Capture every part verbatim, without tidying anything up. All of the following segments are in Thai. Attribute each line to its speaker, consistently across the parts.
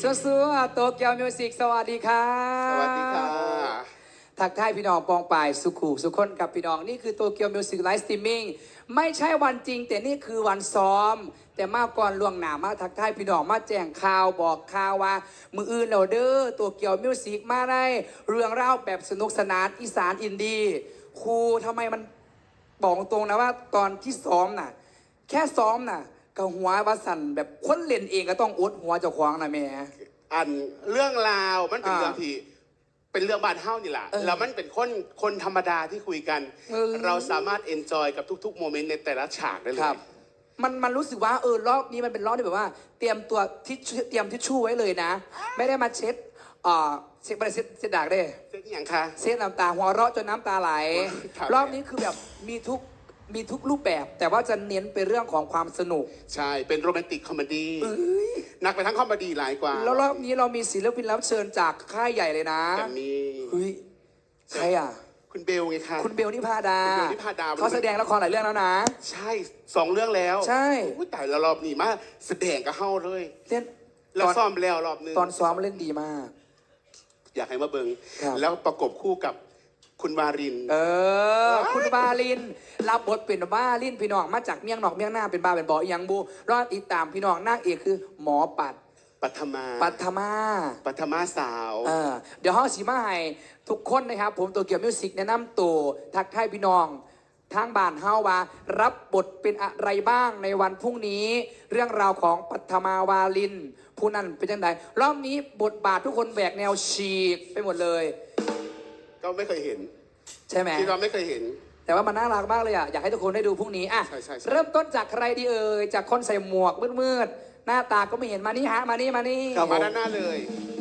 Speaker 1: สู้ๆโตเกียวมิวสิกสวัสดีค่ะ
Speaker 2: สวัสดีค่ะ
Speaker 1: ทักทายพี่น้องปองปายสุขุสุขคนกับพี่น้องนี่คือโตเกียวมิวสิกไลฟ์สตรีมมิ่งไม่ใช่วันจริงแต่นี่คือวันซ้อมแต่มาก่อนล่วงหน้ามาทักทายพี่น้องมาแจ้งข่าวบอกข่าวว่ามืออื่นเราเด้อโตเกียวมิวสิกมาได้เรื่องเล่าแบบสนุกสนานอีสานอินดี้ครูทำไมมันบอกตรงนะว่าตอนที่ซ้อมน่ะแค่ซ้อมน่ะกับหัววัสันแบบคนเล่นเองก็ต้องอดหัวเจ้าของนะแม่
Speaker 2: อันเรื่องราวมันเป็นเรื่องที่เป็นเรื่องบ้านเฮ้านี่แหละแล้วมันเป็นคนคนธรรมดาที่คุยกัน เราสามารถเอนจอยกับทุกๆโมเมนต์ในแต่ละฉากได้เลย
Speaker 1: มันมันรู้สึกว่าเออรอบนี้มันเป็นรอบที่แบบว่า เตรียมตัวทิชเตรียมทิชชู่ไว้เลยนะ ไม่ได้มาเช็ดอ่าเช็ดไปเช็ดเช็ดดากได้
Speaker 2: เช็ดอย่างคะ
Speaker 1: เช็ดน้ำตาหัวเราะจนน้ำตาไหลรอบนี้คือแบบมีทุกมีทุกรูปแบบแต่ว่าจะเน้นไปเรื่องของความสนุก
Speaker 2: ใช่เป็นโรแมนติกคอมเมดี้นักไปทั้งคอมเมดี้หลายกว่า
Speaker 1: แล้วรอบนี้เรามีศิลปินรับเชิญจากค่ายใหญ่เลยนะ
Speaker 2: แบบนี้
Speaker 1: เฮ้ยใครอ่ะ
Speaker 2: คุณเบลไงคะ
Speaker 1: คุณเบลนิพาดา
Speaker 2: คุณเบลนิพาดา
Speaker 1: เขาแสดงละครหลายเรื่องแล้วนะ
Speaker 2: ใช่สองเรื่องแล้ว
Speaker 1: ใช่
Speaker 2: แต่ละรอบนี่มาแสดงกับเฮ้าเลย
Speaker 1: เล่น
Speaker 2: แล้วซ้อมแล้วรอบนึง
Speaker 1: ตอนซ้อมเล่นดีมาก
Speaker 2: อยากให้มาเบิงแล้วประกบคู่กับคุณวาริน
Speaker 1: เออคุณวารินรับบทเป็นวารินพี่น้องมาจากเมียงนอกเมียงหน้าเป็นบาเป็นบออีหยังบูรอดติดตามพี่น้องนางเอกคือหมอปัด
Speaker 2: ปัทมา
Speaker 1: ปัทมา
Speaker 2: ปัทมาสาว
Speaker 1: เออเดี๋ยวห้องสีมาให้ทุกคนนะครับผมตัวเกี่ยวมิวสิกแนะนำตัวทักทายพี่น้องทางบ้านเฮาว่ารับบทเป็นอะไรบ้างในวันพรุ่งนี้ เรื่องราวของปัทมาวาลินผู้นั้นเป็นยังไงรอบนี้บทบาททุกคนแหวกแนวฉีกไปหมดเลย
Speaker 2: ก็ไม่เคยเห็น
Speaker 1: ใช่ไหม
Speaker 2: ที่เราไม่เคยเห็น
Speaker 1: แต่ว่ามันน่ารักมากเลยอ่ะอยากให้ทุกคนได้ดูพรุ่งนี้อ่ะเริ่มต้นจากใครดีเอ่ยจากคนใส่หมวกมืดๆหน้าตาก็ไม่เห็นมานี่ฮะมานี่มานี่
Speaker 2: มาด้านหน้าเลย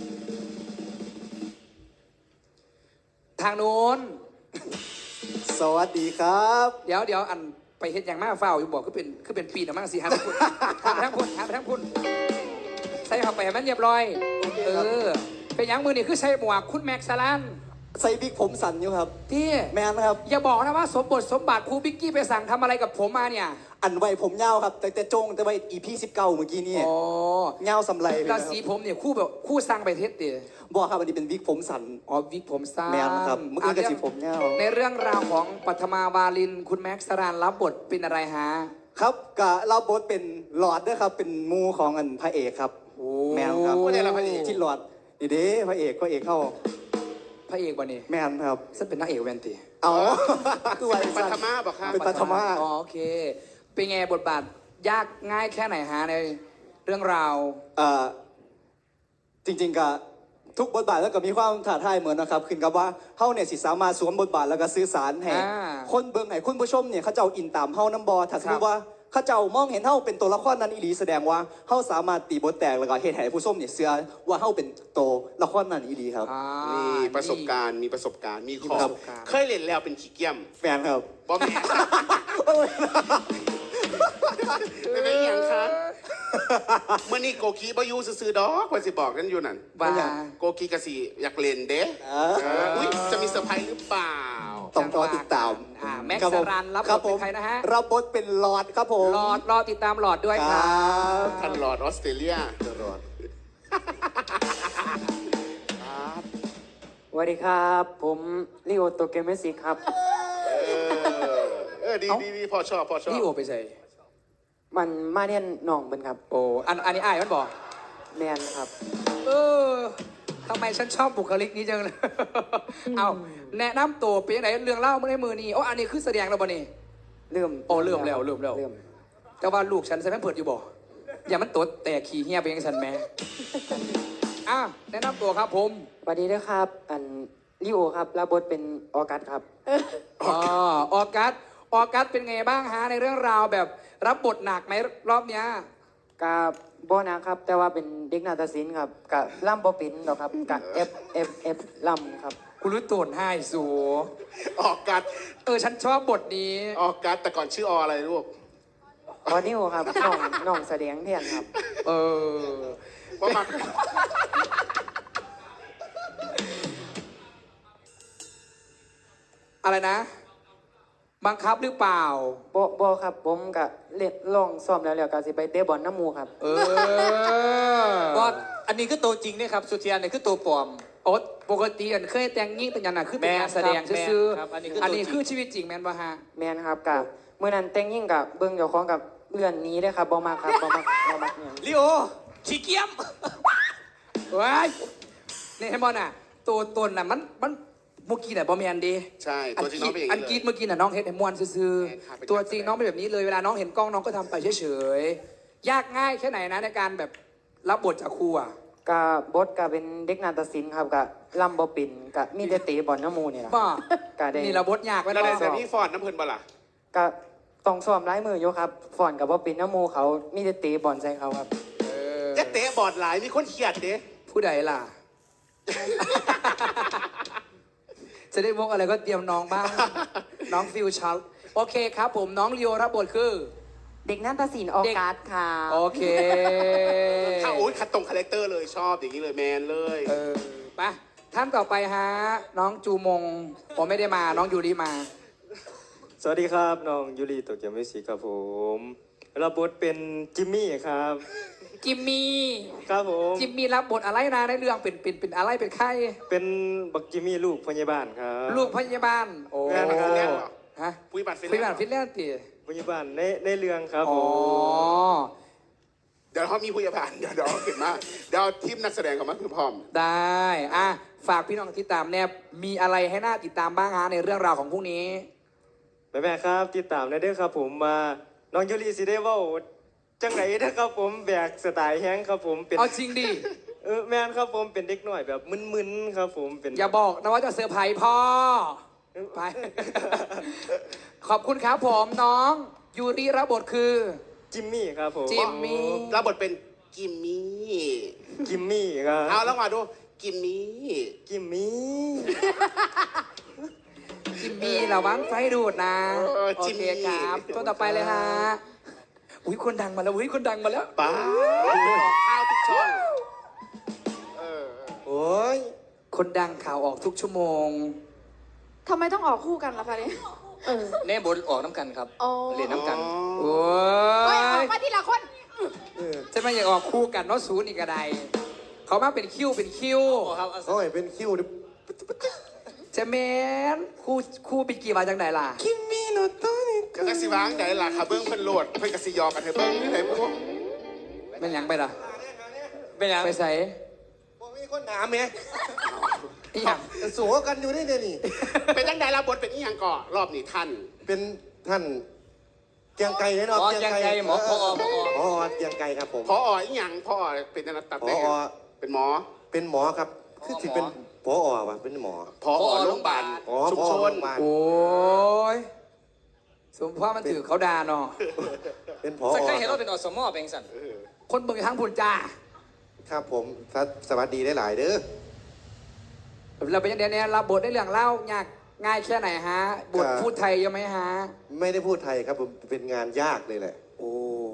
Speaker 1: ทางโน้น
Speaker 3: สวัสดีครับ
Speaker 1: เดี๋ยวเดี๋ยวอันไปเห็นอย่างมากเฝ้าอยู่บอกคือเป็นคือเป็นปีนะมั่งสิฮะทั้งคุณฮะทั้งคุณฮะทั้งคุณใส่เข้าไปมันเรียบร้อยเออเป็นอย่างมือนี่คือใส่หมวกคุณแม็กซ์ซาลัน
Speaker 3: ใส่บิ๊กผมสั่นอยู่ครับ
Speaker 1: ที่
Speaker 3: แมนครับ
Speaker 1: อย่าบอกนะว่าสมบทสมบัติครูบิ๊กกี้ไปสั่งทำอะไรกับผมมาเนี่ย
Speaker 3: อันไว้ผมเงาครับแต่แต่จงแต่ไว้อีพีสิบเก้าเมื่อกี้นี่เงาสำไรเลย
Speaker 1: ครับสีผมเนี่ยคู่แบบคู่สั่งไปเทสเดีย
Speaker 3: บอกครับอันนี้เป็นวิกผมสั่น
Speaker 1: อ๋อวิกผมสั้น
Speaker 3: แมนครับเมื่อกี้กับสีผมเงา
Speaker 1: ในเรื่องราวของปัทมาวาลินคุณแม็กซ์สรานรับบทเป็นอะไรฮะ
Speaker 3: ครับกับรับบทเป็นหลอดด้วยครับเป็นมูของอันพระเอกครับแมนครับ
Speaker 2: ผู้ใดเราพระเอก
Speaker 3: ที่หลอดดีเด้พระเอกพระเอกเข้า
Speaker 1: พระเอกวันนี้
Speaker 3: แมนครับ
Speaker 1: ฉันเป็นนักเอกแวนตี
Speaker 3: อ๋อ
Speaker 2: คือว่าปัทมาบอกครับ
Speaker 3: เป็นปัทมา
Speaker 1: อ๋อโอเคเป็นไงบทบาทยากง่ายแค่ไหนฮะในเรื่องราว
Speaker 3: เอ่อจริงๆกับทุกบทบาทแล้วก็มีความท้าทายเหมือนนะครับขึ้นกับว่าเฮาเนี่ยสิสามารถสวมบทบาทแล้วก็สื่อสารให้คนเบิ่งให้คุณผู้ชมเนี่ยเขาเจ้าอินตามเฮาน้ำบอถ้าสมมติว่าเขาเจ้ามองเห็นเฮาเป็นตัวละครนั้นอีหลีแสดงว่าเฮาสามารถตีบทแตกแล้วก็เฮ็ดให้ผู้ชมเนี่ยเชื่อว่าเฮาเป็นตัวละครนั้นอีหลีครับ
Speaker 2: มีประสบการณ์มีประสบการณ์มีของเคยเล่นแล้วเป็นขี้เกียจ
Speaker 3: แฟนครับ
Speaker 2: บอมแม่เป็นไงยังคะเมื่อนี้โกกีบายูซื้อดอกว่าสิบอกกันอยู่นั่น
Speaker 1: ว่า
Speaker 2: โกกีกะสีอยากเล่นเด้อุ้ยจะมีเซอร์ไพรส์หรือเปล่า
Speaker 3: ต้องรอติดตาม
Speaker 1: แม็กซ์สรันรับบทเป็นใครนะฮะ
Speaker 3: รับบทเป็นหลอดครับผม
Speaker 1: หลอดรอติดตามหลอดด้วยครับ
Speaker 2: ท่านหลอดออสเตรเลียหลอด
Speaker 4: สวัสดีครับผมลิโอโตเกเมสิครับ
Speaker 2: เออดีดีดีพอชอบพอชอบ
Speaker 1: ลิโอไปใส่
Speaker 4: มันมาเรียนหนองเป็นครับ
Speaker 1: โอ้อันอันนี้อ้ายมันบอก
Speaker 4: แมนครับ
Speaker 1: เออทำไมฉันชอบบุคลิกนี้จังเลยเอาแนะนำตัวเป็นยังไงเรื่องเล่าเมื่อในมือนี่โอ้อันนี้คือแสดงแล้วบ่นี่
Speaker 4: เริ่ม
Speaker 1: โอ้เริ่มแล้วเริ่มแล้วแต่ว่าลูกฉันใส่แม่เพิดอยู่บ่อย่ามันตดแต่ขี่เหี้ยไปยังฉันแม่อ่ะแนะนำตัวครับผม
Speaker 4: สวัสดีนะครับอันลิโอครับรับบทเป็นออกัสครับ
Speaker 1: อ๋อออกัสออกัสเป็นไงบ้างฮะในเรื่องราวแบบรับบทหนักไหมรอบเนี้ย
Speaker 4: กับบอนะครับแต่ว่าเป็นเด็กนาฏศิลป์ครับกับล่ำบอปินหรอครับกับเอฟเอฟเอฟล่ำครับ
Speaker 1: คุณรู้ตัวให้สู
Speaker 2: ออกกัด
Speaker 1: เออฉันชอบบทนี้
Speaker 2: ออกกัดแต่ก่อนชื่อออะไรลูก
Speaker 4: ออนิวครับน้องน้องแสดงแทนครับ
Speaker 1: เออว่ามาอะไรนะบังคับหรือเปล่า
Speaker 4: บ่บ่ครับผมก็เล่นลองซ้อมแล้วแล้วก็สิไปเตะบอลน้ำหมูครับ
Speaker 1: เออ
Speaker 5: ก็อันนี้คือตัวจริงเนี่ยครับสุเทียนเนี่ยคือตัวปลอม
Speaker 1: โอ๊ตปกติอันเคยแต่งยิ่งแต่งยันน่ะคือเป็นงานแสดง
Speaker 5: แม่นครับ
Speaker 1: ซื่อ
Speaker 5: แม่นครับอันนี้คือ
Speaker 1: ๆอันนี้
Speaker 5: ตัวจริง
Speaker 1: คือชีวิตจริงแม่นปะฮะ
Speaker 4: แมนครับกับเมื่อนั้นแต่งยิ่งกับเบิ้งเจ้าของกับเลื่อนหนี้เลยครับบ่มาครับบ่มาบ่มาเนี่ย
Speaker 5: ลิโอขี้เกียม
Speaker 1: ว้ายนี่เห็นบอลน่ะ ตัวตนน่ะมันมันเมื่อกี้น่ะบอมแมนดี
Speaker 2: ใช่ตัวจริงน้องเป็นอย่าง
Speaker 1: อัน
Speaker 2: นี้
Speaker 1: กรีด
Speaker 2: เลย
Speaker 1: เมื่อกี้น่ะน้องเฮ็ดให้มวนซื่อ
Speaker 2: แม่นครับเป็น
Speaker 1: ๆตัวจริงน้องเป็นแบบนี้เลยเวลาน้องเห็นกล้องน้องก็ทำไปเฉยๆยากง่ายแค่ไหนนะในการแบบรับบทจากครูอ่ะ
Speaker 4: กับบดกับเป็นเด็กนาฏศิลป์ครับกับลำบ่ปิ่นกับมีแต่เตะบอลน้ำหมูเนี่ย
Speaker 1: บ้า
Speaker 4: ก็ได้
Speaker 1: นี่เราบทยากไว้
Speaker 2: แล้ว
Speaker 1: เนาะ
Speaker 2: ได้แต่พี่ฟอร์ดน้ำเพลินบ่ล่ะ
Speaker 4: ก็ต้องซ้อมร้ายมืออยู่ครับฝอนกับบ่ปิ่นน้ำหมูเขามีแต่เตะบอลใส่เขาครับ
Speaker 1: เออ
Speaker 2: จะเตะบอดหลายมีคนเขียดเด้
Speaker 1: ผู้ใดล่ะ จะได้วกอะไรก็เตรียมน้องบ้าง น้องฟิวชัลโอเคครับผมน้องลีโอรับบทคือ
Speaker 6: เด็กนาฏศิลป์ออกัสค่ะ
Speaker 1: โอเค
Speaker 2: ถ้าโอ๊ยคัดตรงคาแรคเตอร์เลยชอบอย่างนี้เลยแมนเลย
Speaker 1: เออไปท่านต่อไปฮะ น้องจูมงผมไม่ได้มา น้องยูริมา
Speaker 7: สวัสดีครับน้องยูริโตเกียวมิวสิกครับผมรับบทเป็นจิมมี่ครับ
Speaker 1: จิมมี่
Speaker 7: ครับผม
Speaker 1: จิมมี่รับบทอะไรนะในเรื่องเป็นเป็นเป็นอะไรเป็นใคร
Speaker 7: เป็นบักจิมมี่ลูกพยาบาลครับ
Speaker 1: ลูกพยาบาล โอ้
Speaker 2: แม่นฟินแลนด์เหรอ
Speaker 1: ฮะ
Speaker 2: ปุ้ยบัตรฟิน
Speaker 1: ฟิน
Speaker 2: แล
Speaker 1: แล
Speaker 2: น
Speaker 1: น
Speaker 2: ด์
Speaker 1: ด์ฟินแลนด์ตี
Speaker 7: พยาบาลในในเรื่องครับ
Speaker 1: อ๋
Speaker 7: ผ
Speaker 1: อ
Speaker 7: ม
Speaker 2: เดี๋ยวเขามีผู้ยาบาลเดี๋ยวเดี๋ยวเก็บมาเดี๋ยวทีมนักแสดงเขามาคือพร้อม
Speaker 1: ได้อ่ะฝากพี่น้องติดตามแนบมีอะไรให้น่าติดตามบ้างฮะในเรื่องราวของพรุ่งนี้
Speaker 7: แม่แม่ๆครับติดตามได้เด้อครับผมมาน้องยูริสิได้เว่าจังไหนนะครับผมแบกสไตล์แฮงครับผมเป็น
Speaker 1: เอาจริงดิ
Speaker 7: เออแมนครับผมเป็นเด็กหน่อยแบบมึนๆครับผมเป็น
Speaker 1: อย่าบอกนะว่าจะเซอร์ไพรส์พ่อ ไป ขอบคุณครับผมน้องยูริรับบทคือ
Speaker 7: จิมมี่ครับผม
Speaker 1: จิมมี่
Speaker 2: รับบทเป็นกิมมี่
Speaker 7: จิมมี่ครับ
Speaker 2: เอาแล้วมาดูกิมมี่
Speaker 7: จิมมี่
Speaker 1: จิมมี่ระวังไฟดูดนะ
Speaker 2: เออ
Speaker 1: โอ
Speaker 2: จิม
Speaker 1: เค
Speaker 2: มี่
Speaker 1: ครับตัวต่อไปเลยฮะอุ้ยคนดังมาแล้วอุ้ยคนดังมาแล้ว
Speaker 2: ป้าออกข้าวทุกช่องเออ
Speaker 7: โอ้ย
Speaker 1: คนดังข่าวออกทุกชั่วโมง
Speaker 6: ทำไมต้องออกคู่กันล่ะคะเนี่ยเออ
Speaker 5: เน่บทออกน้ำกันครับ
Speaker 6: อ๋อ
Speaker 5: เรียนน้ำกัน
Speaker 1: โอ้
Speaker 6: เฮ้ยออก
Speaker 1: ย
Speaker 6: มาทีละคน
Speaker 1: จะไม่อยากออกคู่กันเนาะศูนย์อีกกระไดเขามาเป็นคิวเป็นคิว
Speaker 8: โอ้ยเป็นคิวดิ
Speaker 1: เจะเมนคู่คู่ปีกี่วันจังไหนล่ะ
Speaker 8: คิมมี่โนโตะนี่
Speaker 2: กระสิวางไหนล่ะค่ะเบิ้งเพิ่นโหลดเพิ่นกระสิยอกันเถอะเบิ้งนี่ไหนพวก
Speaker 1: เป็นหยังไปล่ะ
Speaker 5: เป็นยัง
Speaker 1: ไปใส่
Speaker 8: บ่มีคนถามแหม่
Speaker 1: อีหยัง
Speaker 8: สัวกันอยู่นี่เดี๋ยวนี้
Speaker 2: เป็นจังไดรับบทเป็นอีหยังก่อรอบนี้ท่าน
Speaker 8: เป็นท่านเกียงไก่แน่นอน
Speaker 5: อ๋อแกงไก่หมอพอพอ
Speaker 8: พอเกียงไก่ครับผม
Speaker 2: พออีหยังพอเป็นนักตัด
Speaker 8: พ
Speaker 2: ได้
Speaker 8: อ
Speaker 2: ไงเป็นหมอ
Speaker 8: เป็นหมอครับ คือที่เป็นพอว่ะเป็นหมอ
Speaker 2: พอโรงพยาบาล
Speaker 8: อ๋อ
Speaker 2: ชุม
Speaker 8: พอ
Speaker 2: ช
Speaker 8: โร
Speaker 2: น
Speaker 8: งพยาบาล
Speaker 1: โอ้ยสมพ่อมันถือเขาดาเนาะ
Speaker 8: เป็นพอ
Speaker 5: สักใครเห็นเราเป็นอสมอเป็นสัน
Speaker 1: คนเบิ่งทั้งพุ่นจ้า
Speaker 8: ครับผมสวัสดีได้หลายๆเด้อ
Speaker 1: เราเป็นยังไงเนี่ยรับบทได้เรื่องเล่ายากง่ายแค่ไหนฮะ บท
Speaker 8: ครับ
Speaker 1: พูดไทยเยอะไหมฮะ
Speaker 8: ไม่ได้พูดไทยครับผมเป็นงานยากเลยแหละ
Speaker 1: โอ้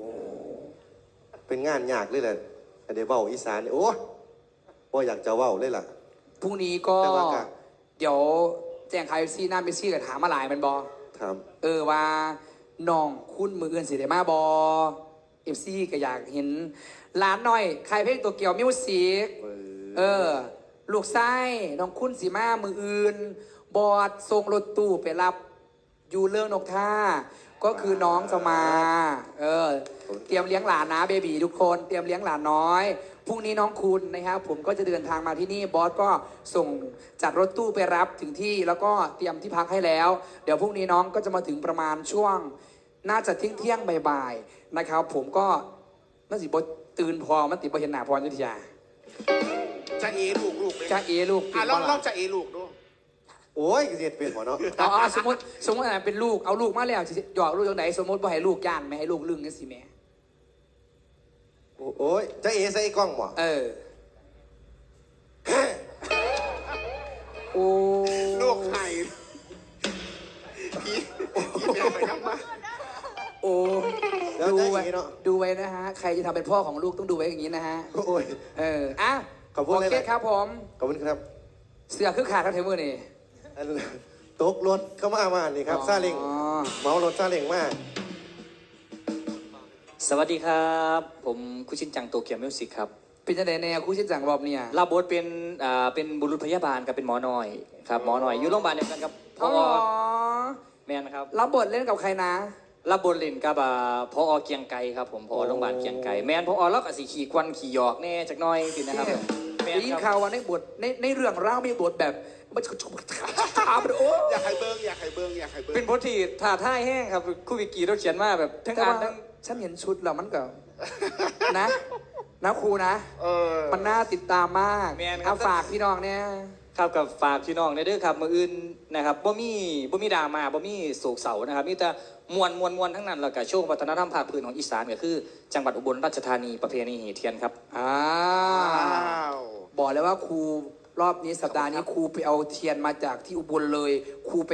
Speaker 8: เป็นงานยากเลยแหละอันเดี๋ยวเว้าอีสานนี่โอ้บ่อยากจะเว้าเลยล่ะ
Speaker 1: พรุ่งนี้ก็
Speaker 8: แต่ว่าก็
Speaker 1: เดี๋ยวแจ้งข่าวเอฟซีหน้าเมสซี่กับถามมาหลายแมันบอ
Speaker 8: ครับ
Speaker 1: เออว่าน้องคุณมืออื่นสิได้มาบอเอฟซีก็อยากเห็นร้านหน่อยใครเพลงตัวเกี่ยวมิวสิก
Speaker 8: เออ
Speaker 1: เออ ลูกไส้น้องคุณสีมามืออื่น บอดส่งรถตู้ไปรับอยู่เรื่องนกท่า ก็คือน้องจะมา เออ เตรียมเลี้ยงหลานนะเบบีทุกคน เตรียมเลี้ยงหลานน้อย พรุ่งนี้น้องคุณนะครับผมก็จะเดินทางมาที่นี่ บอสก็ส่งจัดรถตู้ไปรับถึงที่ แล้วก็เตรียมที่พักให้แล้ว เดี๋ยวพรุ่งนี้น้องก็จะมาถึงประมาณช่วง น่าจะเที่ยงเที่ยงๆบ่ายๆนะครับ ผมก็น่าสิบตื่นพอมันติดบเห็นหนาพรยุทธยา
Speaker 2: จะเอลูกลูกเลย
Speaker 1: จ้าเอลูก
Speaker 2: อ่ะ
Speaker 1: ตื่น
Speaker 2: ลอง
Speaker 1: บ่
Speaker 2: ลอ
Speaker 1: ล่ะ
Speaker 2: งจะเอลูกดู
Speaker 8: โอ้ยเสียดเปลี่ยนหมอเนาะ
Speaker 1: เอาเอาสมมติสมมติอะไรเป็นลูกเอาลูกมาแล้วสิหยอกลูกตรงไหนสมมติว่าให้ลูกย่านไม่ให้ลูกลึงนี่สิแม่
Speaker 8: โอ้ยจะเอใส่กล้องบ่
Speaker 1: เออโอ้
Speaker 2: ลูกไข่พี่พี่แม่ไปน้ำมา
Speaker 1: โอ้
Speaker 8: แล้ว
Speaker 1: ดู
Speaker 8: จะอ
Speaker 1: ไว้
Speaker 8: ย่างนี้เนาะ
Speaker 1: ดูไว้นะฮะใครจะทำเป็นพ่อของลูกต้องดูไว้อย่างนี้นะฮะ
Speaker 8: โอ้ย
Speaker 1: เอออ่ะ
Speaker 8: ขอบคุณ
Speaker 1: โอเค
Speaker 8: เลยนะ
Speaker 1: ครับผม
Speaker 8: ขอบคุณครับ
Speaker 1: เสือคือขาดทั้งเทมือนี่
Speaker 8: อันตกรถเข้ามามานี่ครับซาเล้ง
Speaker 1: อ๋อ
Speaker 8: เมารถซาเล้งมาก
Speaker 5: สวัสดีครับ ผมคุชินจังโตเกียวมิวสิกครับ
Speaker 1: เป็นจังไดแน่ครู่ชินจังรอบเนี่ย
Speaker 5: รับบทเป็นอ่าเป็นบุรุษพยาบาลกับเป็นหมอหน่อยครับหมอหน่อยอยู่โรงพยาบาลเดียวกันกับพ
Speaker 1: อ๋
Speaker 5: อ
Speaker 1: อ
Speaker 5: แมนครับ
Speaker 1: รับบทเล่นกับใครนะ
Speaker 5: รับบทเล่นกับอ่าพอเกียงไกรครับผมพอโรงพยาบาลเกียงไกรแมนพอแล้วก็สีขี่ควันขี่หยอกแน่จักหน้อยสินะครับแมน
Speaker 1: ได้ยิน
Speaker 5: ค
Speaker 1: ข่า
Speaker 5: รับ
Speaker 1: วว่าในบทในในเรื่องราวมีบทแบบมันชมถามโอ้
Speaker 2: อยากให้เบิ้งอยากให้เบิ้งอยากให้เบิ้ง
Speaker 5: เป็นบทที่ท้าทายแห้งครับคู่วิกีเราเขียนมาแบบทั้ง
Speaker 1: แต่
Speaker 5: อ่าน
Speaker 1: ว่า
Speaker 5: ทั้ง
Speaker 1: ฉันเห็นชุดแล้วมันก็นะนะครูนะ
Speaker 2: เออ
Speaker 1: มันน่าติดตามมากเอาฝากพี่น้องเนี่ย
Speaker 5: ครับกับฝากพี่น้องในเด้อครับมืออื่นนะครับบ่มีบ่มีดราม่าบ่มีโศกเศร้านะครับมีแต่มวลมวลมวลทั้งนั้นแล้วก็โชว์วัฒนธรรมภาคพื้นของอีสานก็คือ จังหวัดอุบลราชธานีประเพณีหีเทียนครับ
Speaker 1: อ่า
Speaker 2: ว้าว
Speaker 1: บอกเลยว่าครูรอบนี้สัปดาห์นี้ครูไปเอาเทียนมาจากที่อุบลเลยครูไป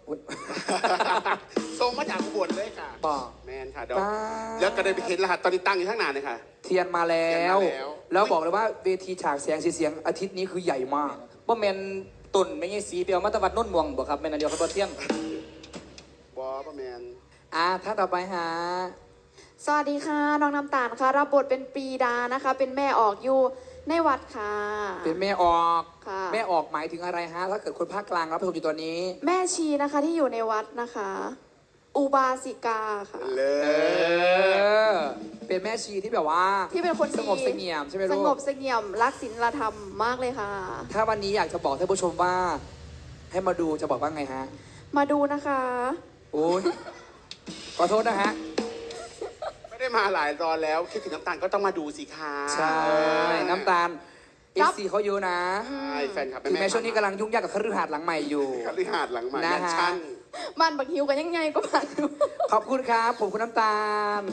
Speaker 2: ส่งมาจากอุบลเลยค่ะ
Speaker 1: บอก
Speaker 2: แมนค่ะเดี๋ยว
Speaker 1: ป้า
Speaker 2: แล้วก็ได้ไปเห็นรหัสตอนนี้ตั้งอยู่ข้างหน้าเลยค่ะ
Speaker 1: เทียนมาแล้
Speaker 2: เทียน
Speaker 1: ว
Speaker 2: มาแล้ว
Speaker 1: แล้วบอกเลยว่าเวทีฉากแสงสีเสียงอาทิตย์นี้คือใหญ่มาก
Speaker 5: บ่แม่นตุ่นไม่ใช่สีเปียวมาตะวัดโน้นม่วงบ่ครับแม่นอันเดียวครับบ่เที่ยง
Speaker 2: บอประแมน
Speaker 1: อ่าท่านต่อไปฮะ
Speaker 6: สวัสดีค่ะ น้องน้ำตาลค่ะ รับบทเป็นปรีดานะคะ เป็นแม่ออกอยู่ในวัดค่ะ
Speaker 1: เป็นแม่ออก
Speaker 6: ค่ะ
Speaker 1: แม่ออกหมายถึงอะไรฮะถ้าเกิดคนภาคกลางรับชมอยู่ตอนนี้
Speaker 6: แม่ชีนะคะที่อยู่ในวัดนะคะ อุบาสิกาค่ะ
Speaker 2: เล
Speaker 1: เอย อ เป็นแม่ชีที่แบบว่า
Speaker 6: ที่เป็นคนดี
Speaker 1: สงบเสงี่ยมใช่ไหม
Speaker 6: ส
Speaker 1: ลู
Speaker 6: ง
Speaker 1: ก
Speaker 6: บเสงี่ยมรักศีลธรรมมากเลยค่ะ
Speaker 1: ถ้าวันนี้อยากจะบอกท่านผู้ชมว่า ให้มาดูจะบอกว่าไงฮะ
Speaker 6: มาดูนะคะ
Speaker 1: โอ้ยขอโทษนะฮะ
Speaker 2: ไม่ได้มาหลายตอนแล้ว คิดถึงน้ำตาลก็ต้องมาดูสิคะ
Speaker 1: ใช่ น้ำตาลเอ
Speaker 6: ครั
Speaker 1: ฟ
Speaker 6: บ
Speaker 1: ซีเขาเยอะนะ
Speaker 2: ใช่แฟนคลับ
Speaker 1: ถึงแม้ช่วงนี้กำลังยุ่งยากกับคฤหาสน์หลังใหม่อยู่
Speaker 2: คฤหาสน์หลังใหม่
Speaker 1: นะ
Speaker 2: ยัน
Speaker 1: ฮะ
Speaker 2: ชั้น
Speaker 6: บ้านบักฮิวกันยังไงก็บ้าน
Speaker 1: ขอบคุณครับ ผมคุณน้ำตาล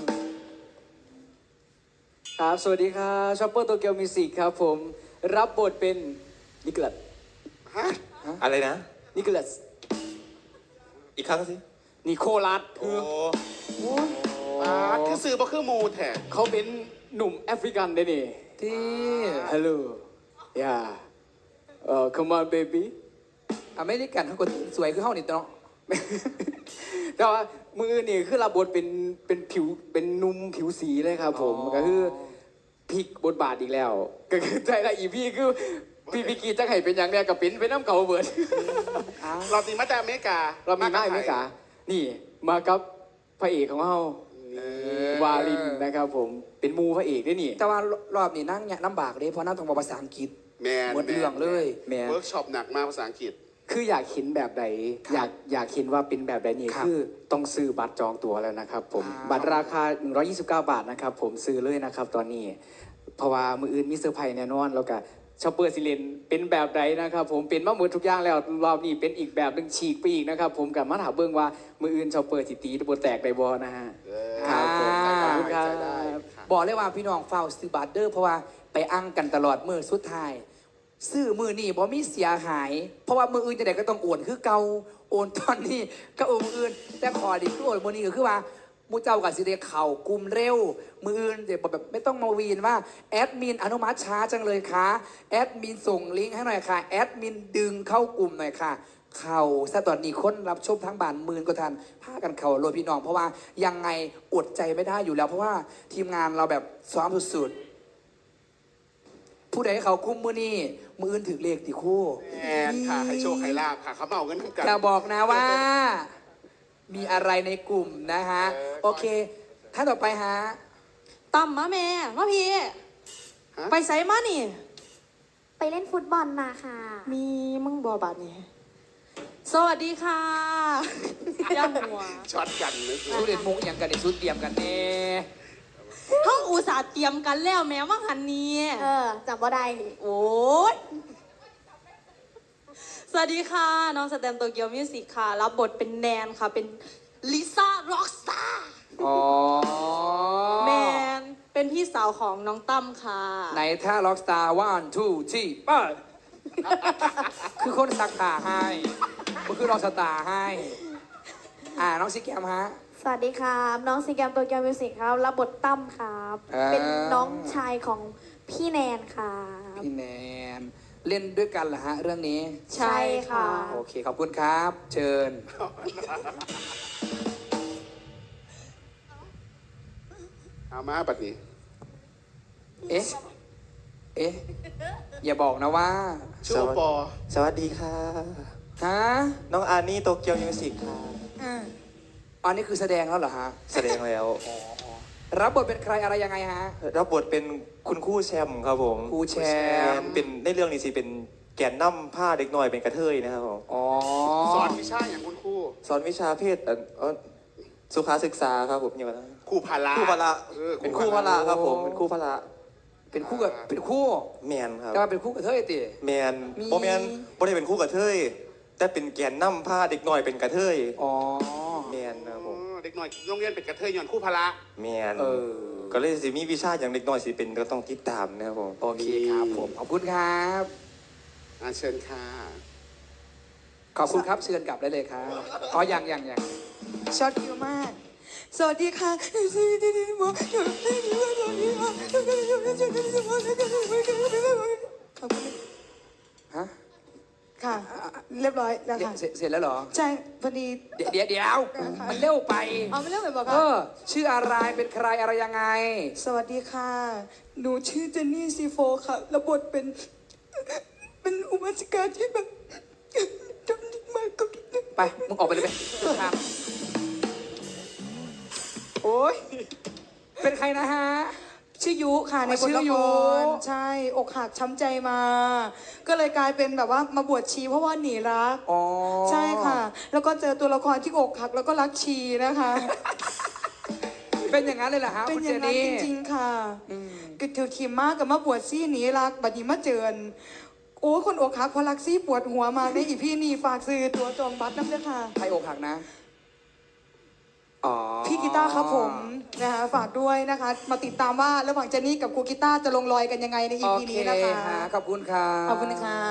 Speaker 4: ครับ สวัสดีครับชอปเปอร์โตเกียวมิวสิกครับผม รับบทเป็นนิโคลัส
Speaker 2: ฮะ
Speaker 8: อะไรนะ
Speaker 4: นิโคลัส
Speaker 8: อีกครั้งสิ
Speaker 4: นิโคลัส
Speaker 8: โอ้
Speaker 4: คือ
Speaker 2: อ่าคือซื้อบ่คือหมูแท้
Speaker 4: เขาเป็นหนุ่มแอฟริกันได้นี่
Speaker 1: ที่
Speaker 4: ฮัลโหลย่าเอ่อ come on baby
Speaker 1: อเมริกันเขาคนสวยคือเฮานี่ตัวเนาะ
Speaker 4: แต่ว่ามือนี่คือรับบทเป็นเป็นผิวเป็นหนุ่มผิวสีเลยครับผม
Speaker 1: อ๋อ
Speaker 4: ก็คือพลิกบทบาทอีกแล้ว ก็คือใจละอีพี่คือพี่พิกีจะให้เป็นอย่างเนี้ยกับเป็นเป็นน้ำเก่าเบิร์ด
Speaker 1: อ้าว
Speaker 2: เราตีมาจากอเมริกา
Speaker 4: เรามีมาอเมริกา นี่มากับพระเอกของเรา
Speaker 2: เออ
Speaker 4: วาลินนะครับผมเป็นมูพระเอกด้วยนี่
Speaker 1: แต่ว่ารอบนี้นั่งเนี่ยลำบากเลยเพราะนั่งต้องบอกภาษาอังกฤษ
Speaker 2: แมน
Speaker 1: หมดเรื่องเลย
Speaker 4: แมน
Speaker 2: เวิร์กช็อปหนักมากภาษาอังกฤษ
Speaker 4: คืออยากเห็นแบบใด
Speaker 1: ครับ
Speaker 4: อยากอยากเห็นว่าเป็นแบบใดนี่
Speaker 1: ครับ
Speaker 4: คือต้องซื้อบัตรจองตั๋วแล้วนะครับผม
Speaker 1: อ่า
Speaker 4: บัตรราคา หนึ่งร้อยยี่สิบเก้า บาทนะครับผมซื้อเลยนะครับตอนนี้ เพราะว่ามืออื่นมีเซอร์ไพรส์แน่นอนแล้วก็ชอปเปอร์ซิเลนเป็นแบบใดนะครับผมเป็นมาหมดทุกอย่างแล้วรอบนี้เป็นอีกแบบหนึ่งฉีกไปอีกนะครับผมกับมาถามเบิ้งว่ามืออื่นชอปเปอร์สิตีบนแตกไดบอนะฮะ
Speaker 2: เออ
Speaker 4: ครับผม
Speaker 1: อ่า
Speaker 4: ขอบคุณครั
Speaker 2: ใจได้
Speaker 4: บ
Speaker 2: ค่ะ
Speaker 1: บอกเลยว่าพี่น้องเฝ้าซื้อบัตรเด้อเพราะว่าไปอั้งกันตลอดมือสุดท้าย ซื้อมือนี่บ่มีเสียหาย เพราะว่ามืออื่นจะไหนก็ต้องโอนคือเก่าโอนตอนนี้ก็โอนมืออื่น แต่ขอดีคือโอนมือนี้ก็คือว่ามูเจ้ากับสิเดเข่ากลุ่มเร็ว มืออื่นเดี๋ยวแบบไม่ต้องมาวีนว่าแอดมินอนุมัติช้าจังเลยค่ะแอดมินส่งลิงก์ให้หน่อยค่ะแอดมินดึงเข้ากลุ่มหน่อยค่ะ เข่าซะตอนนี้คนรับชมทั้งบ้านหมื่นก็ทันพากันเข่าโรยพี่น้อง เพราะว่ายังไงอดใจไม่ได้อยู่แล้ว เพราะว่าทีมงานเราแบบซ้อมสุดๆผู้ใดเขาคุ้มมือนี่มืออื่นถึงเลขติคู่
Speaker 2: แอนค่ะให้โชคให้ลาบค่ะเขามาเอาเงินทำกัน
Speaker 1: จะบอกนะว่า มีอะไรในกลุ่มนะฮะ
Speaker 2: เออ
Speaker 1: โอเคท่านต่อไปฮะ
Speaker 9: ตั้มมาแม่ มาพี่
Speaker 2: ฮะ
Speaker 9: ไปไสมานี่
Speaker 6: ไปเล่นฟุตบอลมาค่ะ
Speaker 9: มีมึงบอบาดนี่ สวัสดีค่ะย่าหัว
Speaker 2: ช็อตกันนะ
Speaker 1: สุดเด็ดมุกอย่างกันเด็ดสุดเตรียมกันเน่
Speaker 9: ห้องอุตส่าห์เตรียมกันแล้วแม้ว่าหันนี้
Speaker 6: เออจำว่าได้
Speaker 9: โอ้ยสวัสดีค่ะ น้องสแตมโตเกียวมิวสิกค่ะ รับบทเป็นแนนค่ะ เป็นลิซ่าร็อกสตาร์
Speaker 1: อ๋อ
Speaker 9: แมน เป็นพี่สาวของน้องตั้มค่ะ
Speaker 1: ไหนท่าล็อกสตาร์วันทูที่ป้าคือคนสักผ้าให้มันคือล็อกสตาร์ให้ อ่าน้องซิแกมฮะ
Speaker 6: สวัสดีครับ น้องซีแกมตัวเกียวมิวสิกครับ รับบทตั้มครับ
Speaker 1: อ่า
Speaker 6: เป็นน้องชายของพี่แนนครับ
Speaker 1: พี่แนนเล่นด้วยกันเหรอฮะ เรื่องนี้
Speaker 6: ใช่ค่ะ
Speaker 1: โอเค ขอบคุณครับ เชิญ
Speaker 2: เอามาบัดนี้
Speaker 1: เอ๊ะ เอ๊ะ อย่าบอกนะว่า
Speaker 2: ชื่อโอปอ
Speaker 7: สวัสดีค่ะ
Speaker 1: ฮะ
Speaker 7: น้องอานี่โตเกียวมิวสิกค่ะ
Speaker 1: อันนี้คือแสดงแล้วเหรอฮะ
Speaker 7: แสดงแล้ว
Speaker 1: รับบทเป็นใครอะไรยังไงฮะ
Speaker 7: รับบทเป็นคุณครู่แชมป์ครับผม
Speaker 1: ครูแชมป์
Speaker 7: เป็นในเรื่องนี้สิเป็นแกนนำผ้าเด็กน้อยเป็นกระเทยนะครับผม
Speaker 1: อ๋อ
Speaker 2: สอนวิชาอย่างคุณครู
Speaker 7: สอนวิชาเพศเอ่อเอ่อสุขาศึกษาครับผมอย่างนั้น
Speaker 2: ครูพาละ
Speaker 7: ครู่พละ
Speaker 2: ออ
Speaker 7: เป็นครู่พละครับผมเป็นครู่พละ
Speaker 1: เป็นคู่กับเป็นคู่
Speaker 7: แมนครับ
Speaker 1: แต่ว่าเป็นคู่กับเธอไอ้ติ
Speaker 7: แมน
Speaker 1: มี
Speaker 7: โบแมนบ่ได้เป็นครู่กระเทยแต่เป็นแกนนำผ้าเด็กน้อยเป็นกระเทย
Speaker 1: อ๋อ
Speaker 7: แมนนะครับผม
Speaker 2: อ๋อเด็กหน่อยโรงเรียนเป็นกระเทยย้อนครูพาละ
Speaker 7: แมน
Speaker 1: เออ
Speaker 7: ก็เลยสิมีวิชาอย่างเด็กน้อยสิเป็นก็ต้องติดตามนะครับผม
Speaker 1: โอเคครับผม ขอบคุณครับ
Speaker 2: อ่าเชิญค่ะ
Speaker 1: ขอบคุณครับ เชิญกลับได้เลยครับ อ๋อยังยังยัง
Speaker 10: ช็อตคิวมาก สวัสดีค่ะสวัสดีค่ะขอบคุณ
Speaker 1: ฮะ
Speaker 10: ค่ะ เรียบร้อยแล้วค่ะ
Speaker 1: เสร็จเสร็จแล้วเหรอ
Speaker 10: ใช่ พอดี
Speaker 1: เดี๋ยวเดี๋ยวเดี๋ยวมันเร็วไป
Speaker 10: เอาไม่เรื่องไหนบอก
Speaker 1: เอ
Speaker 10: ค่ะ
Speaker 1: อ ชื่ออะไร เป็นใครอะไรยังไง
Speaker 10: สวัสดีค่ะ หนูชื่อเจนนี่ซีโฟค่ะแล้วบทเป็น เป็นอุบาสิกาที่แบบจำนิดมากกับนิดนึง
Speaker 1: ไป มึงออกไปเลยไปครับ
Speaker 10: โอ้ย
Speaker 1: เป็นใครนะฮะ
Speaker 10: ชื่อยุค่ะในบท
Speaker 1: ชื่
Speaker 10: ละ
Speaker 1: อยุ
Speaker 10: ครใช่ อกหักช้ำใจมา ก็เลยกลายเป็นแบบว่ามาบวชชีเพราะว่าหนีรัก
Speaker 1: อ๋อ
Speaker 10: ใช่ค่ะ แล้วก็เจอตัวละครที่อกหักแล้วก็รักชีนะคะ
Speaker 1: เป็นอย่างนั้นเลยเหรอฮะ
Speaker 10: เป็น
Speaker 1: คุณ
Speaker 10: อ
Speaker 1: เจ
Speaker 10: ย่างนั้น
Speaker 1: นี่
Speaker 10: จริงๆค่ะ
Speaker 1: อืม
Speaker 10: ก็ถือขีมมากกับมาบวชซี่หนีรักบัดนี้มาเจิญโอ้คนอกหักเพอรักซี่ปวดหัวมากในอีพี่นี่ฝากซื้อตัวจองบัตรน้ำเด้อค่ะ
Speaker 1: ใครอกหักนะ อ๋อ
Speaker 10: พี่กีตาร์ครับผมนะคะฝากด้วยนะคะ มาติดตามว่าระหว่างเจนนี่กับครูกีตาร์จะลงรอยกันยังไงในอี
Speaker 1: โอ
Speaker 10: พี
Speaker 1: เค
Speaker 10: นี้นะคะ
Speaker 1: ฮะขอบคุณครับ
Speaker 10: ขอบคุณค่ะ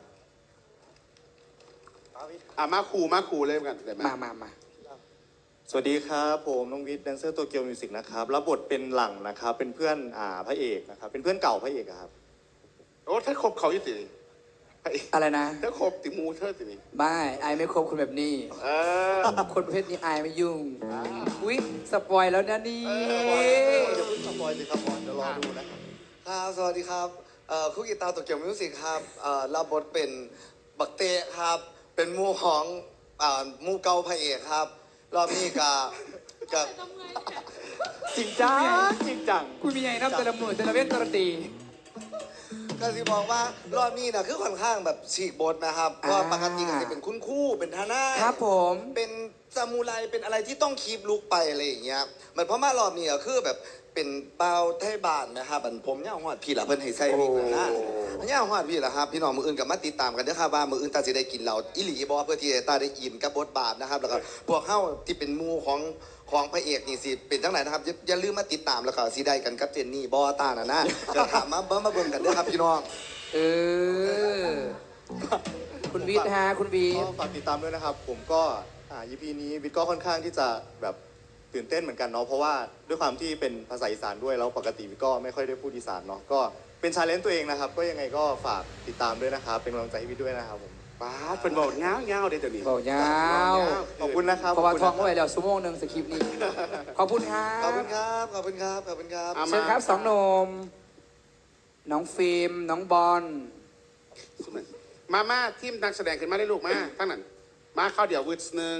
Speaker 2: อ่ามาครูมาครูเลยกันได้ไหม
Speaker 1: มามามา
Speaker 3: สวัสดีครับผมน้องวิทย์แดนเซอร์โตเกียวมิวสิกนะครับรับบทเป็นหลังนะครับเป็นเพื่อนอ่าพระเอกนะครับเป็นเพื่อนเก่าพระเอกอะครับ
Speaker 2: โอ้ถ้าครบเขาอยู่ติไอ้
Speaker 1: อะไรนะ
Speaker 2: ถ้าครบติมูเธอตินี่
Speaker 1: ไม่ไอายไม่คบคนแบบนี้
Speaker 2: เออ
Speaker 1: คนประเภทนี้ไอายไม่ยุ่ง อุ๊ย สปอยแล้วนะนี่
Speaker 8: อย่าเพิ่งสปอยสิครับผมเดี๋ยวรอดูนะครับ
Speaker 11: ครับ สวัสดีครับเอ่อคุกกีตาร์โตเกียวมิวสิกครับเอ่อรับบทเป็นบักเตะครับ เป็นหมู่ของเอ่อหมู่เก่าพระเอกครับ รอบนี้กับกับ
Speaker 1: จริงจังจริงจัง คุณมีไงนับแต่ละหมื่นแต่ละเวทแต่ละตี
Speaker 11: ก็สิบอกว่ารอบนี้นะคือค่อนข้างแบบฉีกบทนะครับเพราะว่าปกติก็จะเป็นคุณครู่เป็นทนาย
Speaker 1: ครับผม
Speaker 11: เป็นซามูไรเป็นอะไรที่ต้องคีบลุกไปอะไรอย่างเงี้ยมันเพราะว่ารอบนี้ก็คือแบบเป็นเปาไทยบ้านนะครับอันผมเนี่ยหอดพี่ละเพิ่นให้ใส่วิกนะนะเนี่ยหอดพี่ละครับพี่น้องมืออื่นกับมาติดตามกันเด้อครับว่ามืออื่นตาสิได้กินเราอิหลีบอเพื่อที่ตาได้อินกับบทบาทนะครับแล้วก็พวกเฮาที่เป็นหมู่ของของพระเอกนี่สิเป็นจังไหนนะครับอย่าอย่าลืมมาติดตามแล้วก็สิได้กันกับเจนนี่บอตาน่ะนะจะถามมาเบิ่งมาเบิ่งกันเด้อครับพี่น้อง
Speaker 1: เออ คุณวิทย์ฮะ คุณวีท
Speaker 3: ก็
Speaker 1: ย์
Speaker 3: ฝากติดตามด้วยนะครับ ผมก็อ่า อี พี นี้วิทย์ก็ค่อนข้างที่จะแบบตื่นเต้นเหมือนกันเนาะเพราะว่าด้วยความที่เป็นภาษาอีสานด้วยแล้วปกติวิทย์ก็ไม่ค่อยได้พูดอีสานเนาะก็เป็นชาเลนจ์ตัวเองนะครับ ก็ยังไงก็ฝากติดตามด้วยนะครับ เป็นกำลังใจให้วิทย์ด้วยนะครับผม
Speaker 2: ป้าดเป็นบอกเงาเงาเดี๋ยวนี้
Speaker 1: บอกยาว
Speaker 3: ขอบคุณนะครับ
Speaker 1: เพราะว่า
Speaker 3: ขบ
Speaker 1: ท้อง
Speaker 3: คุณ
Speaker 1: ไว้
Speaker 3: นะครับ
Speaker 1: แล้วชั่วโมงหนึ่งสคริปต์นี้ ขอบคุณครั
Speaker 11: ขอบบ คุณครับ ขอบคุณครับ ขอบคุณครับ
Speaker 2: อ่ะ
Speaker 1: เชิญครับสองหนม น้องฟิล์ม น้องบอล
Speaker 2: มามาทีมนักแสดงขึ้นมาได้ลูกมาทั้งนั้นมาเข้าเดี๋ยววืดหนึ่ง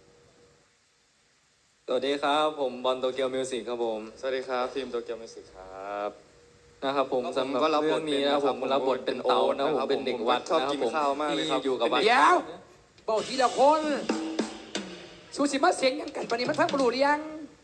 Speaker 5: สวัสดีครับผมบอลโตเกียวมิวสิกครับผม
Speaker 7: สวัสดีครับทีมโตเกียวมิวสิกครับ
Speaker 5: นะครับผม
Speaker 7: ครับผม
Speaker 5: สำหรับ
Speaker 7: ก็รับบท
Speaker 5: เรื่องนี้นะครับ
Speaker 7: เป็
Speaker 5: ผ
Speaker 7: น
Speaker 5: มรับบทเป็นเตานะครับผมเป็นเด็กวัด
Speaker 7: ชอบ
Speaker 5: นะครับ
Speaker 7: กิน
Speaker 5: ผม
Speaker 7: ข้าวมากเลยครับ
Speaker 5: ที่อยู่กับวัด
Speaker 1: เดี๋ยวบอกทีละคนสูสิมาเสียงยังกันปานนี้มันพักบรูหรือยัง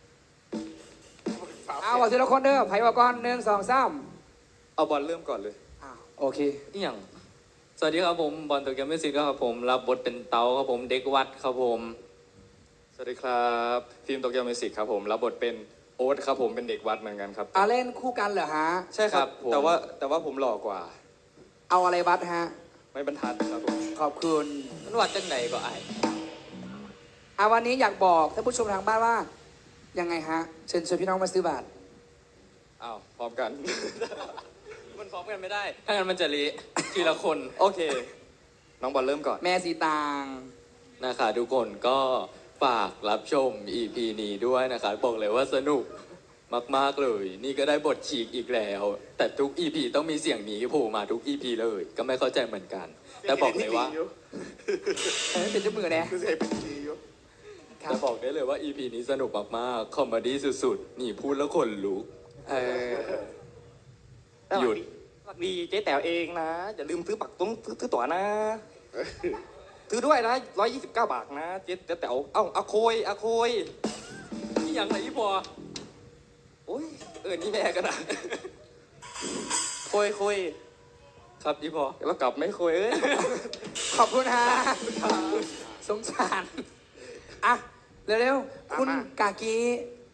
Speaker 1: เอาบอกทีละคนเด้อไผ่บอกก่อนหนึ่งสองสาม
Speaker 7: เอาบอลเริ่มก่อนเลย
Speaker 1: อ้าวโอเค
Speaker 5: อหย่างสวัสดีครับผมบอลโตเกียวมิวสิกครับผมรับบทเป็นเตาครับผมเด็กวัดครับผม
Speaker 7: สวัสดีครับทีมโตเกียวมิวสิกครับผมรับบทเป็นโอ๊ตครับผมเป็นเด็กวัดเหมือนกันครับ
Speaker 1: อาเล่นคู่กันเหรอฮะ
Speaker 7: ใช่ครับแต่ว่าแต่ว่าผมหล่อกว่า
Speaker 1: เอาอะไรวัดฮะ
Speaker 7: ไม่บรรทัดครับผม
Speaker 1: ขอบคุณ
Speaker 5: มันวัดจังไหนก็ไอาย
Speaker 1: อาวันนี้อยากบอกท่านผู้ชมทางบ้านว่า ยังไงฮะ เชิญชวนพี่น้องมาซื้อบัตร
Speaker 7: อ้าวพร้อมกัน
Speaker 5: มันพร้อมกันไม่ได้ ถ้างั้นมันจะเละทีละคน
Speaker 7: โอเค น้องบอลเริ่มก่อน
Speaker 1: แม่สีตาง
Speaker 5: นะคะทุกคนก็ฝากรับชม อี พี นี้ด้วยนะคะบอกเลยว่าสนุก
Speaker 12: มากๆเลย นี่ก็ได้บทฉีกอีกแล้ว แต่ทุก อี พี ต้องมีเสียงนี้โผล่มาทุก อี พี เลย ก็ไม่เข้าใจเหมือนกัน แต่บอกเลยว่า
Speaker 1: เออเป็นเจ้ามือแน่
Speaker 2: คือเสพเป็นดีอยู่
Speaker 1: ครับ
Speaker 12: แต่บอกได้เลยว่า อี พี นี้สนุกมากๆคอมเมดี้สุดๆ นี่พูดแล้วขนลุก
Speaker 1: เออ
Speaker 12: หยุด
Speaker 7: สวัสดีเจ๊แต๋วเองนะ อย่าลืมซื้อปักตุ้งซื้อซื้อตั๋วนะ ซื้อด้วยนะร้อยยี่สิบเก้าบาทนะเจ๊เจ๊แต๋วเอ้าอาโคยอาโคย
Speaker 12: นี่ยังไงพอ
Speaker 7: โอ้ยเออนี่แม่กันนะโคยโคย
Speaker 12: ครับพี่พอ
Speaker 7: แล้วกลับไม่โคยเอ้ย
Speaker 1: ขอบคุณฮะสงสาร อ่ะ เร็วๆ คุณกากี